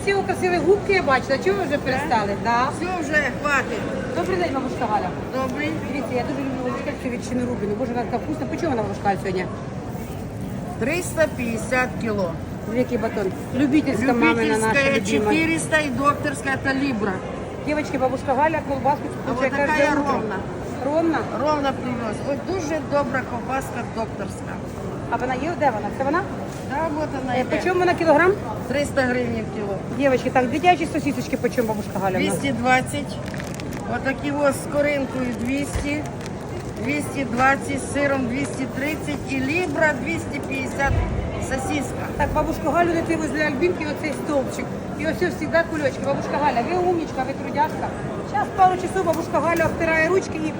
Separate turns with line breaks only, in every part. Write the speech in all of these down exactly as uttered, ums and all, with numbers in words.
красиво, красиві губки я бачила. Чого ви вже перестали? Да.
Все вже, хватить.
Добрий день, бабушка Галя.
Добрий.
Дивіться, я дуже люблю бабушкальцю ветчину рубліну. Боже, вона така вкусна. По чому вона бабушкаль сьогодні?
триста пятьдесят кило.
Великий батон. Любительська мамина наша
Любительская
любима.
четыреста и докторская это либра.
Девочки, бабушка Галя колбаску
А
купує
вот
кожне
такая
утро.
ровно.
Ровно?
Ровно привез. Ой, дуже добра ковбаска докторська.
А вона є? Де вона? Це вона?
Да, вот она
Е,
йде.
По чому вона кілограм?
триста гривень кіло.
Девочки, так, дитячі сосисочки по чому бабушка Галя? в нас?
двести двадцать. Вот такі ось з коринкою двести. двести двадцать, з сиром двести тридцать і либра двести пятьдесят сосиска.
Так, бабушка Галю не ти возле Альбінки оцей стовпчик. І ось ось завжди кульочки. Бабушка Галя, ви умнічка, ви трудяшка. Зараз пару часов бабушка Галя обтирає ручки і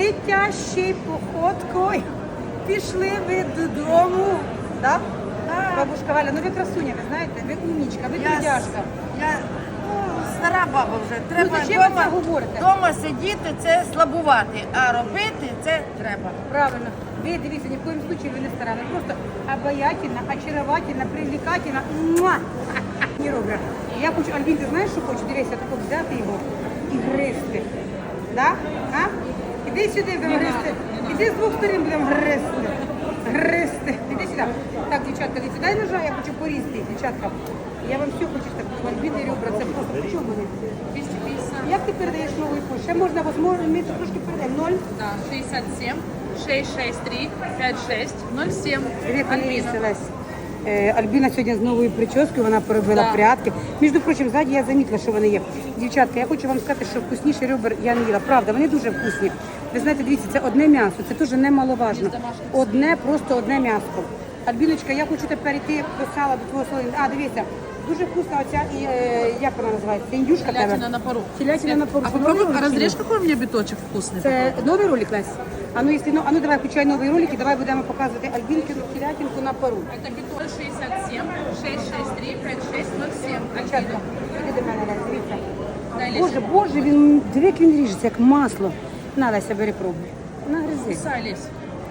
летящий походкою пішли ви додому. Да?
Так.
Бабушка Галя, ну ви красуня, ви знаєте, ви умнічка, ви
Я,
трудяшка.
я ну, стара баба вже. Треба
Ну, зачем ви
дома,
це говорите?
дома сидіти, це слабувати, а робити це треба.
Правильно. Ви дивіться, ні в коєму случае ви не стара. Ви просто обаятельна, очаровательна, привлекательна. Муа! Не роблю. Я хочу, Альбін, ти знаєш, що хочу? Дивися, тако взяти його і гризти. Да? А? Іди сюди, будемо гризти. Іди з двох сторін будемо гризти. Гризти. Іди сюди. Так, дівчатка, дивіться, дай ножа, я хочу порізти, їх, дівчатка. Я вам все хочу так. Альбін і ребра, це просто. По чому вони?
двести пятьдесят.
Як ти передаєш новий курс? Ще можна, можливо, ми тут трошки передаємо. Ноль.
Да, шестьдесят семь, шестьсот шестьдесят три, пятьдесят шесть, ноль семь. Альбина.
Альбіна. Альбіна сьогодні з новою прическою, вона поробила
Да.
прядки. Між прочим, ззаді я замітила, що вони є. Дівчатка, я хочу вам сказати, що вкусніші ребер я не їла. Правда, вони дуже вкусні. Ви знаєте, дивіться, це одне м'ясо, це дуже немаловажно. Одне, просто одне м'ясо. Альбіночка, я хочу тепер йти до сала, до твого солоні. А, дивіться, дуже вкусна оця, і, е, як вона називається? Індюшка тебе?
Телятина на пару.
Телятина на пару.
А
Це
попробуй,
новий ролик
разрежь,
чи ні?
какой у меня биточек вкусный.
Це новий ролик, Лесь? А ну, якщо, ну, а ну давай, включай новий ролик і давай будемо показувати Альбінкину телятинку на пару.
Это биток шестьдесят семь, шестьсот шестьдесят три, пятьдесят шесть, ноль семь.
Дівчатка, іди до мене, Лесь, дивіться.
Дай,
Боже, боже, він, диви, як він ріжеться, як масло. На, Леся, бери пробуй. На, гризи.
Сайлись.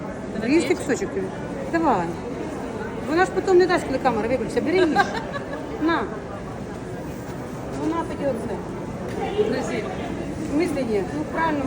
Різти кусочок тобі. Давай. Вона ж потім не дасть, коли камера виключиться. Бери їж. На. Вона тоді оце.
Грызи.
В смысле ні? Ну, правильно,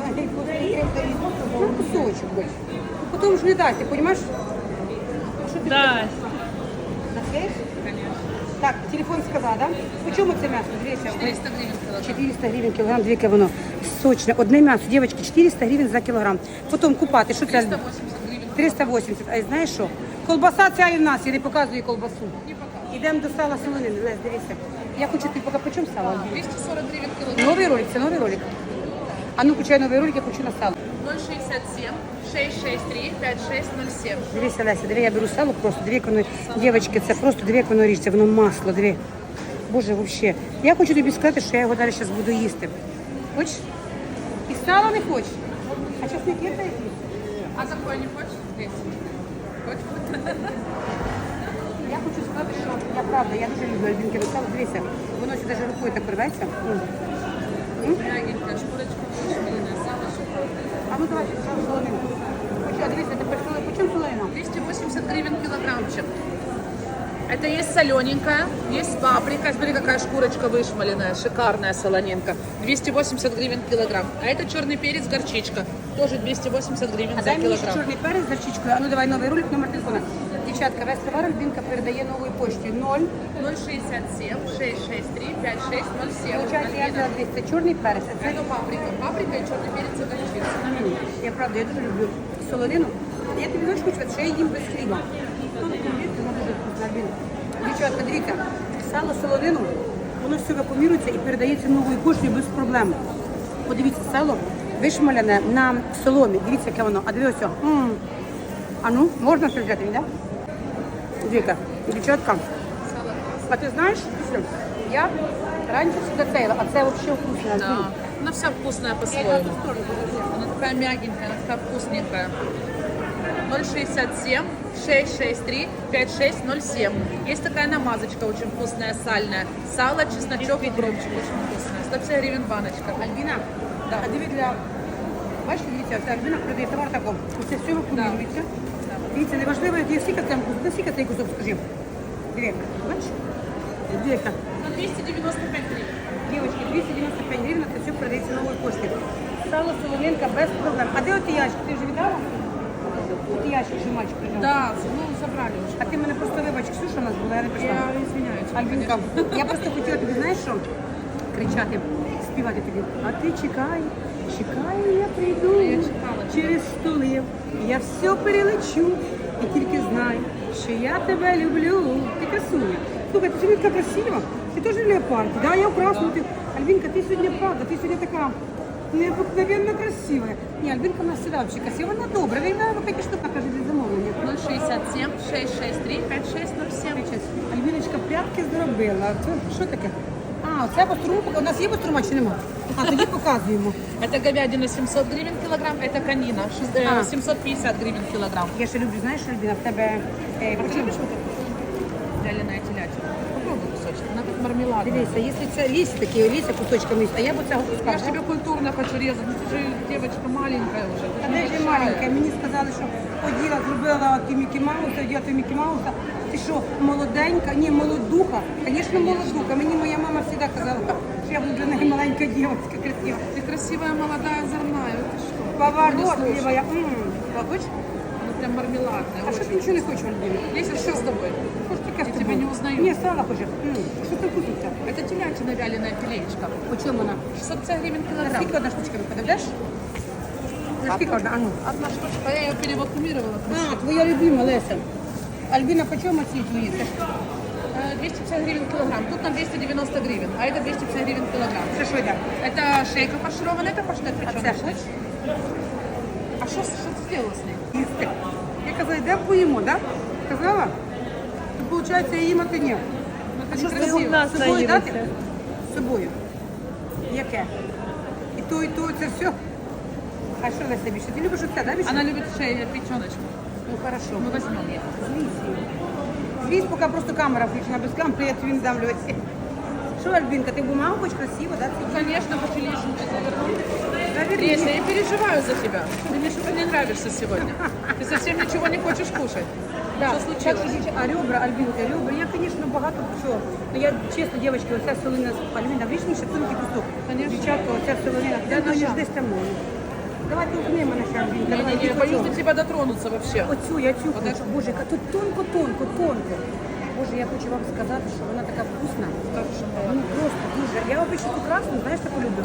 ну, кусочок хоч. Ну, потім ж не дасть, ти розумієш? Що ти
Да.
Наклеїш?
Конечно.
Так, телефон сказала, да? По чому це м'ясо? Дивіться.
четыреста гривен килограмм.
четыреста гривень кілограм, дві воно сочне. Одне м'ясо, дівчатки, чотириста гривень за кілограм. Потім купати, що це?
триста восемьдесят гривен.
триста вісімдесят. А знаєш що? Колбаса ця і в нас, я не показую колбасу.
Не пока.
Йдемо до сала солонини. Лесь, дивися. Я хочу, ти поки по чому сало?
двести сорок гривен килограмм.
Новий ролик, це новий ролик. А ну, включай новий ролик, я хочу на сало.
ноль шестьдесят семь, шестьсот шестьдесят три, пятьдесят шесть, ноль семь.
Дивися, Леся, диви, я беру сало просто, диви, як воно, дівчатки, це просто, диви, як воно ріжеться, воно масло, диви. Боже, взагалі. Я хочу тобі сказати, що я його далі зараз буду їсти. Хочеш? І сало не хочеш? А часник є такий?
А такой не хочешь? Здесь. Хочешь?
Я хочу сказати, що я правда, я дуже люблю альбінки сало. Дивися, воно сюди навіть рукою так рветься. М.
Мягенькая, шкурочка вышмаленная, сало шикарное.
А ну давайте сало солонину. Хочу, а дивися, тепер солонина. По чому солонина?
двести восемьдесят гривен килограммчик. Это есть солененькая, есть паприка. Смотри, какая шкурочка вышмаленная, шикарная солонинка. двести восемьдесят гривен килограмм. А это черный перец, горчичка. Тоже двести восемьдесят гривен
А
за
дай мені ще
килограмм.
чорний перець з зарчичкою. А ну давай новий ролик, номер телефона. Дівчатка, весь товар Альбінка передає новою поштою. Ноль.
ноль шестьдесят семь, шестьсот шестьдесят три, пятьдесят шесть, ноль семь.
Получається, я взяла двісті. Чорний перець. А це
Это паприка. Паприка и черный перец и горчица.
М, я правда, я дуже люблю солонину. Я тобі знаєш, хочу, що я їм без хліба. Ну, вона дуже вкусна, Альбіна. Дівчатка, дивіться, сало солонину, воно все вакуумірується і передається новою поштою без проблем. Подивіться, сало вишмалене на соломі. Дивіться, яке воно. А дивіться, м. А ну, можна щось взяти, да? Дивіться, дівчатка. А ти знаєш, що я раніше сюди цейла, а це взагалі вкусно.
Да. Она вся вкусная
Я
по-своему.
йду в ту сторону, подожди.
Она такая мягенькая, она такая вкусненькая. ноль шестьдесят семь, шестьсот шестьдесят три, пятьдесят шесть, ноль семь. Есть такая намазочка очень вкусная, сальная. Сало, чесночок и укропчик очень вкусная. сто пятьдесят гривен баночка.
Альбіна,
Да.
а диви для... Бачите, дивіться, це Альбіна продає товар такого. Це все вакуумується. Дивіться, неважливо, який скільки там, наскільки цей кусок, скажи. Диви, бачиш? Дивіться.
На двести девяносто
нової пошти. Сало солонинка без проблем. А де от ящик? Ти вже віддала? От ящик, що мальчик прийняв.
Да, ну забрали уже.
А ти мене просто вибач, Ксюша у нас була, я не прийшла.
Я извиняюсь.
Альбінка, я просто хотіла тобі, знаєш що? Кричати, співати тобі. А ти чекай, чекай, я прийду.
Я чекала,
Через столи. Я все перелечу. І тільки знай, що я тебе люблю. Ти красуня. Слухай, ти сьогодні така красива. Ти теж в леопарді, да? Я в красному. Ти... Альбінка, ти сьогодні правда, ти сьогодні така необыкновенно красива. Ні, Альбінка у нас завжди взагалі красива. Вона добра, вона п'ять штук каже для замовлення.
ноль шестьдесят семь шестьсот шестьдесят три пятьдесят шесть ноль семь.
Альбіночка прятки зробила. Це що таке? А, це бастурма. У нас є бастурма чи нема? А, тоді показуємо.
Это говядина семьсот гривен килограмм, это конина шесть- э,
А.
семьсот пятьдесят гривен килограмм.
Я ще люблю, знаєш, Альбіна, в тебе... Е,
А ты
почему?
любишь вот это? Вяленая телятина. Попробуй кусочек, она как мармеладная.
Дивися, якщо це ліс такі, ліс кусочками, їсть, а я б цього
Я
кускала.
же тебе культурно хочу резать, ну ты же девочка маленькая уже. ты
А
же
де ж
небольшая.
маленька? Мені сказали, що поділа, зробила ті Мікі Мауса, оділа той Мікі Мауса. Ти що, молоденька? Ні, молодуха. Звісно, молодуха. Мені моя мама завжди казала, що я буду для неї маленька дівчинка, красива.
Ты красивая, молодая, озорная, ты что?
Поворот,
Не
ліва,
слушай.
я... М, Хочеш?
Ну прям мармеладная.
А що
очень.
ти нічого не хочеш, Альбіна?
Леся, что с тобой?
Хочеш таке
Я
з
тебе
тобою?
не узнаю.
Ні, сало хочеш. М, Що ти вкуситься?
Это телятина вяленая филеечка.
По чому вона?
шестьсот пятьдесят гривен килограмм.
Скільки одна штучка виходить, даш? За скільки одна? А ну.
Одна штучка, я ее перевакуумировала.
А, твоя любима, Леся. Альбіна, по чому ці твої? Це ж-
Э, двести пятьдесят гривен килограмм. Тут на двести девяносто гривен, а это двести пятьдесят гривен килограмм.
Це що йде?
Это шейка фаршированная, это паштет
А
печеный.
це що?
А что что ты сделала с ней?
Їсти. Я казала, йдемо поїмо, так? Казала? То виходить, я їм, а ти ні.
Ну,
А
это
що
некрасиво.
з собою дати? З собою. Яке? І то, і то, це все. А що Леся більше? Ти любиш оце, да, більше?
Она любит шею, печеночку.
Ну, хорошо.
Мы возьмем ее.
Злізь її. Злізь, поки просто камера включена, без камери я тобі не дам, Лесі. Що, Альбінка, ти бумагу хоч красиво, да?
Ну, конечно, хочу лишнюю завернуть.
Заверни.
Леся, я переживаю за тебя. Ты мне что-то не нравишься сегодня. Ты совсем ничего не хочешь кушать.
Да.
Что случилось?
Так, дівчата, а ребра, Альбінка, ребра, я, звісно, багато чого. Ну, я, чесно, дівчатки, оця солонина, Альбіна, врічніше, тонкий кусок.
Конечно.
Дівчатка, оця солонина, де
ножа.
ніж десь там можна. Давай толкни мене ще, Альбінка,
Не,
давай,
не, не, я
тільки
боюсь
цього.
до тебя дотронуться вообще.
Оцю, я цю
Вот
хочу.
это?
Боже, яка тут тонко, тонко, тонко. Боже, я хочу вам сказати, що вона така вкусна. Ну, просто дуже. Я обичаю ту красну, знаєш, таку люблю.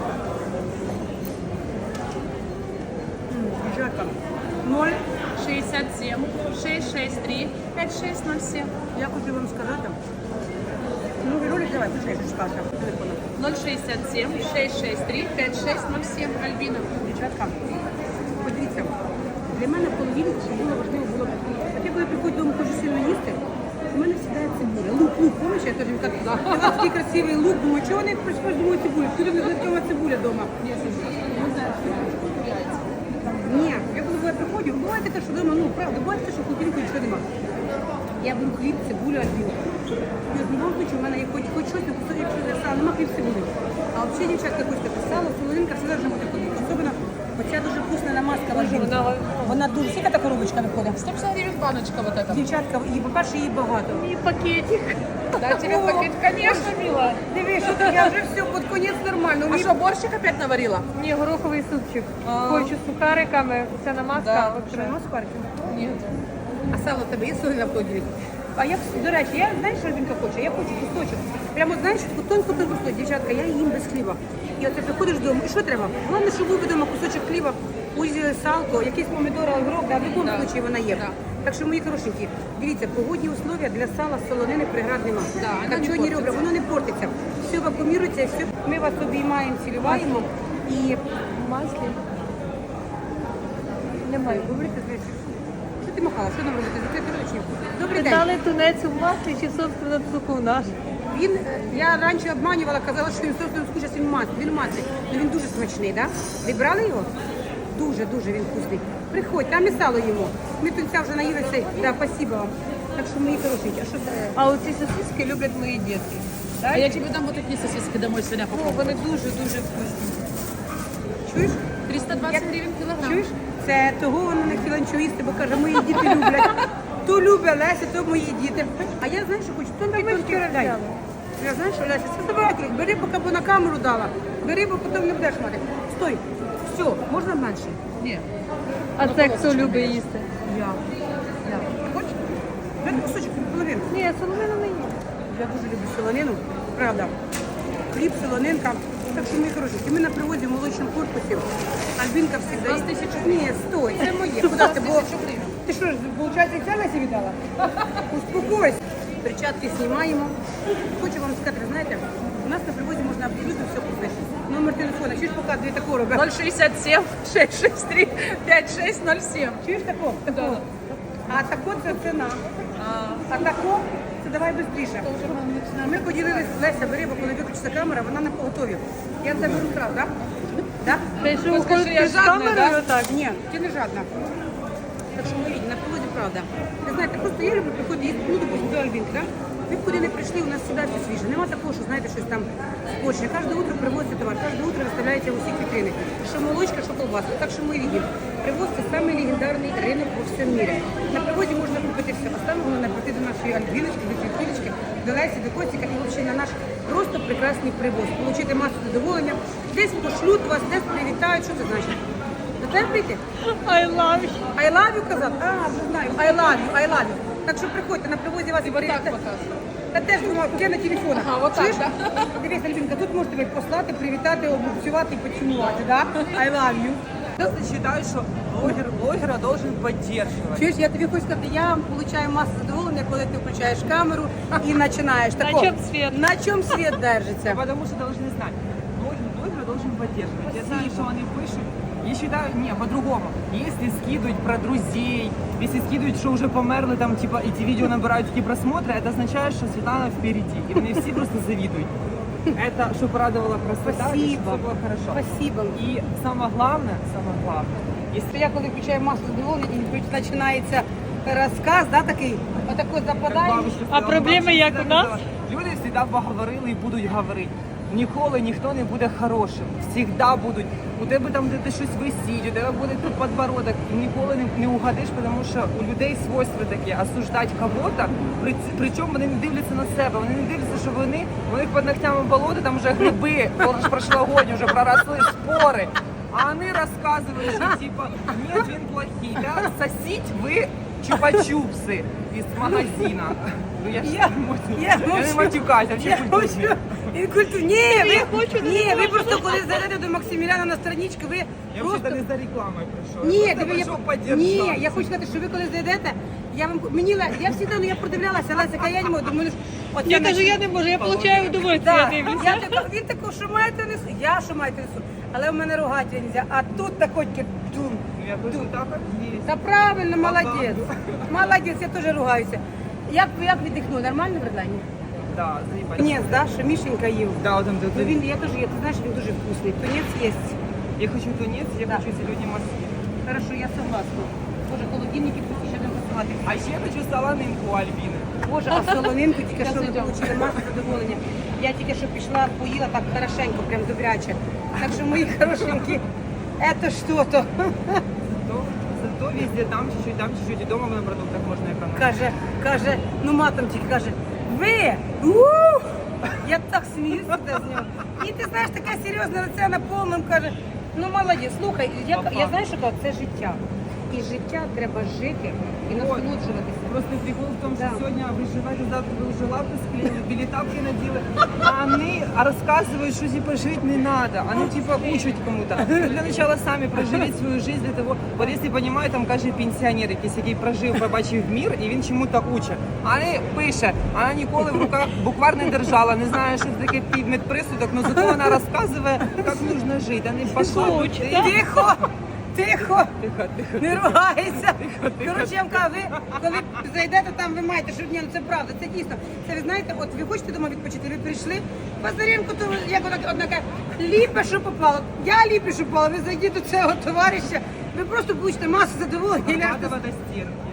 М, Дівчатка, ноль.
шестьдесят семь шестьсот шестьдесят три пятьдесят шесть ноль семь.
Я хочу вам сказати. Ну, ролик давай, почекай, що чекався телефоном.
ноль шестьдесят семь шестьсот шестьдесят три пятьдесят шесть ноль семь. Альбина.
Дівчатка, подивіться, для мене в холодильнику, що було важливо, було. От я коли приходжу додому, хочу сильно їсти, у мене сідає цибуля. Лук, лук, помниш, я теж їм так, у вас такий красивий лук, думаю, чого вони прийшли думаю цибулю? Куди не знайома цибуля вдома? Ні, я коли я приходжу, буває таке, що вдома, ну, правда, буває таке, що в холодильнику нічого нема. Я беру хліб, цибулю, альбіну. І в одному случаю в мене є хоч, хоч щось, не якщо я сало, нема хліб цибулі. А взагалі, дівчатка, хочете сало, солонинка, все должно бути ходити. Особливо, оця дуже вкусна намазка в альбіну. Вона дуже, скільки та коробочка виходить?
сто пятьдесят гривен баночка вот эта.
Дівчатка, її, по-перше, її багато.
И пакетик. Да, тебе
О,
пакет, конечно, мила.
Дивись, що я вже все, під конець нормально.
А что, борщик опять наварила?
Ні, гороховий супчик.
А.
Хочу з сухариками. Це намазка.
Да.
от
Що,
треба.
нема спарки?
Нет.
А сало в тебе є солі на холодильник? А я, до речі, я, знаєш, що Альбінка хоче? Я хочу кусочок. Прямо, знаєш, таку тонку тонку кусочок. Дівчатка, я їм без хліба. І оце приходиш додому, і що треба? Головне, щоб був вдома кусочок хліба, узі салко, якийсь помідор, огірок, да, в будь-якому
Да.
випадку вона є.
Да.
Так що, мої хорошенькі, дивіться, погодні условия для сала, солонини, преград нема.
Да, вона не
Копчені
портиться.
ребра, воно не портиться. Все вакуумірується, все. Ми вас обіймаємо, цілюваємо. І
В маслі. Немає.
говорите, знаєш, що ти махала, що нам робити? Закрити ручні. Добрий день.
Питали тунець у маслі чи собственно цуку наш.
Він, е, я раніше обманювала, казала, що він собственно скучав, він мас, він масний. Ну він дуже смачний, так? Да? Ви брали його? Дуже, дуже він вкусний. Приходь, там і сало їмо. Ми тунця вже наїлися, да, спасибо вам. Так що мої хорошенькі, а що це?
А оці сосиски люблять мої дітки.
А я тебе дам вот такие сосиски домой сегодня
О,
попробую.
вони дуже-дуже вкусні.
Чуєш?
триста двадцать гривен килограмм.
Чуєш? Це того вона не хотіла нічого їсти, бо каже, мої діти люблять. То любить Леся, то мої діти. А я знаєш, що хочу, тонкий тонкий дай. Я знаєш, що Леся, це забирай, бери, поки бо на камеру дала. Бери, бо потім не будеш мати. стой. Все, можна менше?
Ні.
А це хто любить їсти?
Я. Я. Хочеш? Дай кусочок, половину.
Ні, соломину не їм.
Я дуже люблю солонину, правда. Хліб, солонинка. Так що, мої хороші, ми на привозі в молочному корпусі. Альбінка всегда...
З тисячу гривень.
Ні, стой, це моє. Куди ти? Бо...
тисячу гривень.
Ти що ж, виходить, і це Лесі віддала? Успокойся. Перчатки знімаємо. Хочу вам сказати, знаєте, у нас на привозі можна абсолютно все купити. Номер телефона, чуєш, показує такого робить.
ноль шестьдесят семь шестьсот шестьдесят три пятьдесят шесть ноль семь.
Чуєш такого? Такого. А тако це ціна. А тако, це давай швидше. Ми поділилися, Леся, бери, бо коли виключиться камера, вона на поготові. Я це беру сразу, так? Да?
Ти що,
Ну, скажи, я
уходиш з
жадна,
камерою
да?
отак?
Ні, ти не жадна. Так що ми на привозі правда. Ви знаєте, просто я люблю приходити, їсти, ну, допустим, до Альбінки, да? Ви б куди не прийшли, у нас завжди все свіже. Нема такого, що, знаєте, щось там скочне. Кожне утро привозиться товар, кожне утро виставляється в усіх вітрини. Що молочка, що колбаска. Так що ми рідні. Привоз – це самий легендарний ринок по всьому мірі. На привозі можна купити все. А саме головне прийти до нашої Альбіночки, до Світулечки, до Лесі, до Костіка і взагалі на наш просто прекрасний привоз. Получити масу задоволення. Десь пошлють вас, десь привітають. Що це значить? До тебе прийти?
I love you.
I love you казав? А, вже знаю. I love you, I love you. Так що приходьте, на привозі вас
І отак
привітають.
показує.
Та теж думав, я на телефон.
Ага, отак,
Чуєш?
да.
Дивись, Альбінка, тут можете тебе послати, привітати, обмовцювати і поцілувати, да? I love you.
Я считаю, что блогер блогера должен поддерживать.
Чуєш, я тобі хочу сказати, я получаю масу задоволення, коли ти включаєш камеру і починаєш.
На
тако,
чому світ?
На чому світ держиться?
Потому что должны знать, блогер блогера должен поддерживать. Я знаю, что они пишут. Я считаю, не, по-другому. Если скидывать про друзей, если скидывать, что уже померли, там, типа, эти видео набирают такие просмотры, это означает, что Светлана впереди. И мне все просто завидуют. Это, что порадовала красота, и
Спасибо.
что было хорошо.
Спасибо.
И самое главное, самое главное,
Якщо я коли включаю масу задоволення і починається розказ, да, такий, отако
Как
западає.
бабушка
А
сказала,
проблеми
бабушка
як у
завжди
нас?
казала, люди завжди поговорили і будуть говорити. Ніколи ніхто не буде хорошим. Всегда будуть. У тебе там, де ти щось висіть, у тебе буде тут подбородок. І ніколи не, не угадиш, тому що у людей свойства такі осуждати кого-то, при, причому вони не дивляться на себе. Вони не дивляться, що вони, у них під ногтями болото, там вже гриби, прошлогодні вже проросли спори. А вони розказують, що типа, ні, він плохий, да? Сосіть ви чупа-чупси із магазина. Ну я ж
Я-
не можу.
я
Я не
мовчу.
матюкаюсь, а
Я
взагалі
хочу.
культурні.
І культу- Ні,
Я
ви,
хочу, не
ні, ви
можу.
просто коли зайдете до Максиміляна на страничку, ви
Я
просто...
взагалі не за рекламою прийшов.
Ні,
я
диви,
просто
я,
прийшов
ні,
поддержати.
я хочу сказати, що ви коли зайдете, я вам мені Ле- я завжди, ну я продивлялася, Леся, яка я не можу, думаю, ну, от
Я
на-
кажу, я не можу, я получаю удовольствие,
Да,
я дивлюся.
я така, він таку, що маєте несу, я що маєте несу, але в мене рогатя нельзя, а тут такой дум.
Ну я кажу, так як є.
Та правильно, молодець, молодець, я теж ругаюся. Як, як віддихнули, нормально в Редлані?
Да, заїбать.
Тунець, да, що Мішенька їв.
Да, от там
Ну
де-
він, я теж, є, ти знаєш, він дуже вкусний. Тунець є.
Я хочу тунець, я
Да.
хочу зелені морські.
Хорошо, я согласна. Боже, холодильники пусть ще не працювати.
А ще я хочу солонинку у Альбіни.
Боже, а солонинку тільки що ми
Зараз йдемо.
отримали масу задоволення. Я тільки що пішла, поїла так хорошенько, прям добряче. Так що мої хорошенькі, це що-то.
Зато, зато везде там чуть-чуть, там чуть-чуть, і дома на продуктах можна економити.
Каже, каже, ну матом тільки каже, ви! Ух! Я так сміюся туди з нього. І ти знаєш, таке серйозне лице на повному, каже, ну молодець, слухай, я, я знаю, що кажу, це життя. І життя треба жити і насолоджуватися.
Просто прикол в том, что
Да.
сегодня выживать, завтра вы уже лапы склеили, билетапки надели, а они рассказывают, что типа жить не надо, они типа учат кому-то. Ну, для начала сами проживіть свою жизнь для того, вот если понимаю, там каже пенсіонер, якийсь, який прожив, побачив мір, і він чому-то учить. А не пише, вона ніколи в руках буквар не держала, не знає, що це таке медприсудок, але зато вона розказує, як нужно жити, а не пошла.
Учить,
Ти-
Тихо! Тихо!
Тихо, тихо.
Не ругайся.
тихо,
Коротше, я вам кажу, ви коли зайдете там, ви маєте, що ні, ну це правда, це дійсно. Це ви знаєте, от ви хочете дома відпочити, ви прийшли, Базаренко, то як вона одна каже, ліпе, що попало. Я ліпе, що попало, ви зайдіть до цього товариша, ви просто получите масу задоволення. і ляжете
Арбатова до стенки.